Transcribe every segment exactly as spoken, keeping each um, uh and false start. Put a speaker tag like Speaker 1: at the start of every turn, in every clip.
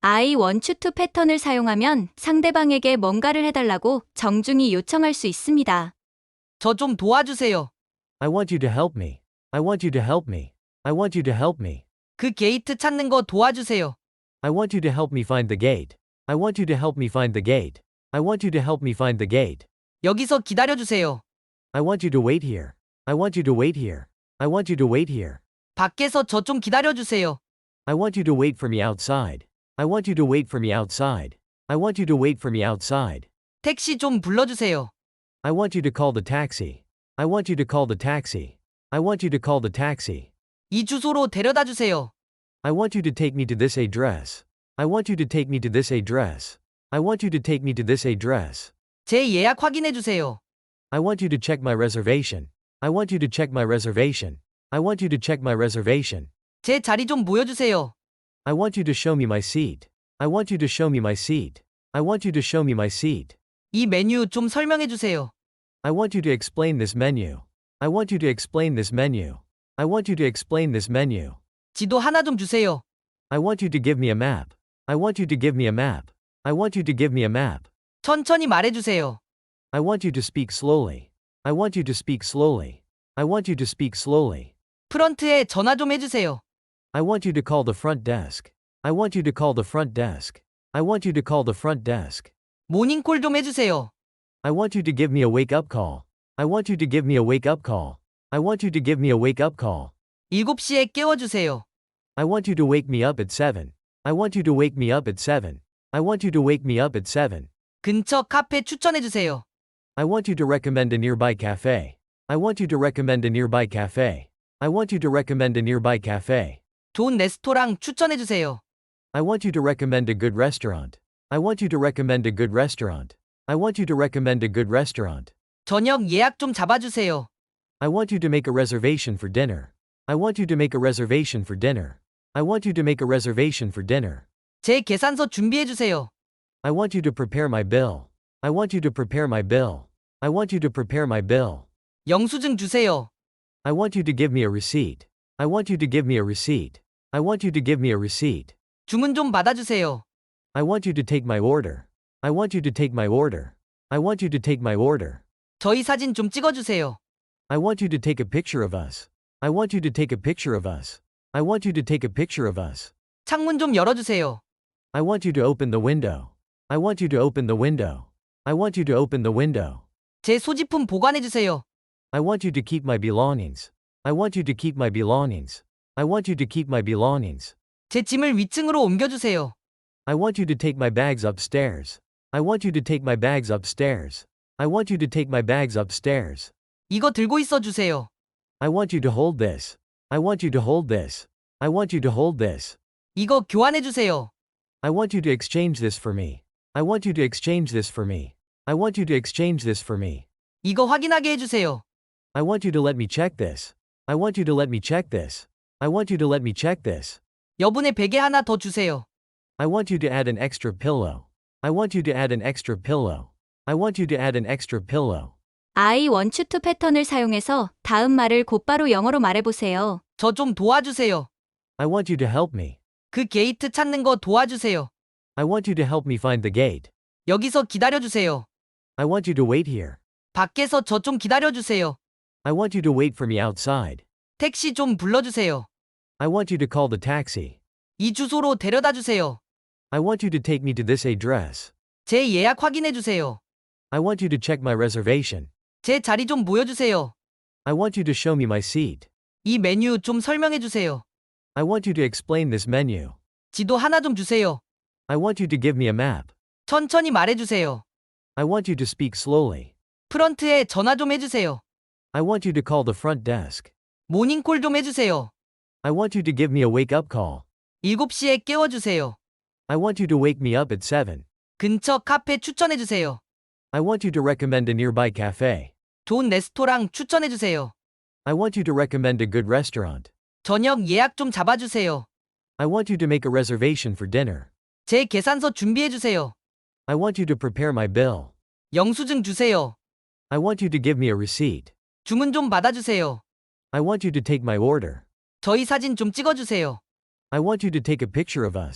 Speaker 1: I want to 패턴을 사용하면 상대방에게 뭔가를 해달라고 정중히 요청할 수 있습니다.
Speaker 2: 저 좀 도와주세요.
Speaker 3: I want you to help me. I want you to help me. I want you to help me.
Speaker 2: 그 게이트 찾는 거 도와주세요.
Speaker 3: I want you to help me find the gate. I want you to help me find the gate. I want you to help me find the gate.
Speaker 2: 여기서 기다려주세요.
Speaker 3: I want you to wait here. I want you to wait here. I want you to wait here.
Speaker 2: 밖에서 저 좀 기다려주세요.
Speaker 3: I want you to wait for me outside. I want you to wait for me outside. I want you to wait for me outside.
Speaker 2: 택시 좀 불러주세요.
Speaker 3: I want you to call the taxi. I want you to call the taxi. I want you to call the taxi.
Speaker 2: 이 주소로 데려다 주세요.
Speaker 3: I want you to take me to this address. I want you to take me to this address. I want you to take me to this address.
Speaker 2: 제 예약 확인해 주세요.
Speaker 3: I want you to check my reservation. I want you to check my reservation. I want you to check my reservation.
Speaker 2: 제 자리 좀 보여주세요.
Speaker 3: I want you to show me my seat. I want you to show me my seat. I want you to show me my seat.
Speaker 2: 이 메뉴 좀 설명해 주세요.
Speaker 3: I want you to explain this menu. I want you to explain this menu. I want you to explain this menu.
Speaker 2: 지도 하나 좀 주세요.
Speaker 3: I want you to give me a map. I want you to give me a map. I want you to give me a map.
Speaker 2: 천천히 말해 주세요.
Speaker 3: I want you to speak slowly. I want you to speak slowly. I want you to speak slowly.
Speaker 2: 프런트에 전화 좀 해주세요.
Speaker 3: I want you to call the front desk. I want you to call the front desk. I want you to call the front desk.
Speaker 2: 모닝콜 좀 해주세요.
Speaker 3: I want you to give me a wake-up call. I want you to give me a wake-up call. I want you to give me a wake-up call.
Speaker 2: 일곱 시에 깨워주세요.
Speaker 3: I want you to wake me up at seven. I want you to wake me up at seven. I want you to wake me up at seven.
Speaker 2: 근처 카페 추천해 주세요.
Speaker 3: I want you to recommend a nearby cafe. I want you to recommend a nearby cafe. I want you to recommend a nearby cafe.
Speaker 2: 좋은 레스토랑 추천해 주세요.
Speaker 3: I want you to recommend a good restaurant. I want you to recommend a good restaurant. I want you to recommend a good restaurant.
Speaker 2: 저녁 예약 좀 잡아주세요.
Speaker 3: I want you to make a reservation for dinner. I want you to make a reservation for dinner. I want you to make a reservation for dinner.
Speaker 2: 제 계산서 준비해 주세요.
Speaker 3: I want you to prepare my bill. I want you to prepare my bill. I want you to prepare my bill.
Speaker 2: 영수증 주세요.
Speaker 3: I want you to give me a receipt. I want you to give me a receipt. I want you to give me a receipt.
Speaker 2: 주문 좀 받아주세요.
Speaker 3: I want you to take my order. I want you to take my order. I want you to take my order.
Speaker 2: 저희 사진 좀 찍어주세요.
Speaker 3: I want you to take a picture of us. I want you to take a picture of us. I want you to take a picture of us.
Speaker 2: 창문 좀 열어주세요.
Speaker 3: I want you to open the window. I want you to open the window. I want you to open the window.
Speaker 2: 제 소지품 보관해 주세요.
Speaker 3: I want you to keep my belongings. I want you to keep my belongings. I want you to keep my belongings.
Speaker 2: 제 짐을 위층으로 옮겨주세요.
Speaker 3: I want you to take my bags upstairs. I want you to take my bags upstairs. I want you to take my bags upstairs.
Speaker 2: 이거 들고 있어 주세요.
Speaker 3: I want you to hold this. I want you to hold this. I want you to hold this.
Speaker 2: 이거 교환해 주세요.
Speaker 3: I want you to exchange this for me. I want you to exchange this for me. I want you to exchange this for me.
Speaker 2: 이거 확인하게 해주세요.
Speaker 3: I want you to let me check this. I want you to let me check this. I want you to let me check this.
Speaker 2: 여분의 베개 하나 더 주세요.
Speaker 3: I want you to add an extra pillow. I want you to add an extra pillow. I want you to add an extra pillow.
Speaker 1: I want to 패턴을 사용해서 다음 말을 곧바로 영어로 말해보세요.
Speaker 2: 저 좀 도와주세요.
Speaker 3: I want you to help me.
Speaker 2: 그 게이트 찾는 거 도와주세요.
Speaker 3: I want you to help me find the gate.
Speaker 2: 여기서 기다려주세요.
Speaker 3: I want you to wait here.
Speaker 2: 밖에서 저 좀 기다려주세요.
Speaker 3: I want you to wait for me outside.
Speaker 2: 택시 좀 불러주세요.
Speaker 3: I want you to call the taxi.
Speaker 2: 이 주소로 데려다 주세요.
Speaker 3: I want you to take me to this address.
Speaker 2: 제 예약 확인해 주세요.
Speaker 3: I want you to check my reservation.
Speaker 2: 제 자리 좀 보여주세요.
Speaker 3: I want you to show me my seat.
Speaker 2: 이 메뉴 좀 설명해 주세요.
Speaker 3: I want you to explain this menu.
Speaker 2: 지도 하나 좀 주세요.
Speaker 3: I want you to give me a map.
Speaker 2: 천천히 말해 주세요.
Speaker 3: I want you to speak slowly.
Speaker 2: 프런트에 전화 좀 해주세요.
Speaker 3: I want you to call the front desk.
Speaker 2: 모닝콜 좀 해주세요.
Speaker 3: I want you to give me a wake-up call.
Speaker 2: 일곱 시에 깨워주세요.
Speaker 3: I want you to wake me up at seven.
Speaker 2: 근처 카페 추천해 주세요.
Speaker 3: I want you to recommend a nearby cafe.
Speaker 2: 좋은 레스토랑 추천해 주세요.
Speaker 3: I want you to recommend a good restaurant.
Speaker 2: 저녁 예약 좀 잡아주세요.
Speaker 3: I want you to make a reservation for dinner.
Speaker 2: 제 계산서 준비해 주세요.
Speaker 3: I want you to prepare my bill.
Speaker 2: 영수증 주세요.
Speaker 3: I want you to give me a receipt.
Speaker 2: 주문 좀 받아주세요.
Speaker 3: I want you to take my order.
Speaker 2: 저희 사진 좀 찍어주세요.
Speaker 3: I want you to take a picture of us.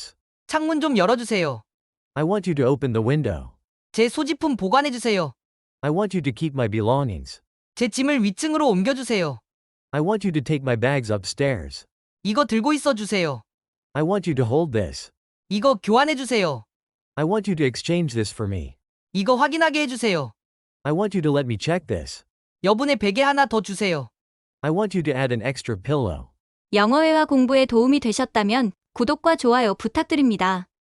Speaker 2: 창문 좀 열어주세요.
Speaker 3: I want you to open the window.
Speaker 2: 제 소지품 보관해주세요.
Speaker 3: I want you to keep my belongings.
Speaker 2: 제 짐을 위층으로 옮겨주세요.
Speaker 3: I want you to take my bags upstairs.
Speaker 2: 이거 들고 있어 주세요.
Speaker 3: I want you to hold this.
Speaker 2: 이거 교환해주세요.
Speaker 3: I want you to exchange this for me.
Speaker 2: 이거 확인하게 해주세요.
Speaker 3: I want you to let me check this.
Speaker 2: 여분의 베개 하나 더 주세요.
Speaker 3: I want you to add an extra pillow.
Speaker 1: 영어회화 공부에 도움이 되셨다면 구독과 좋아요 부탁드립니다.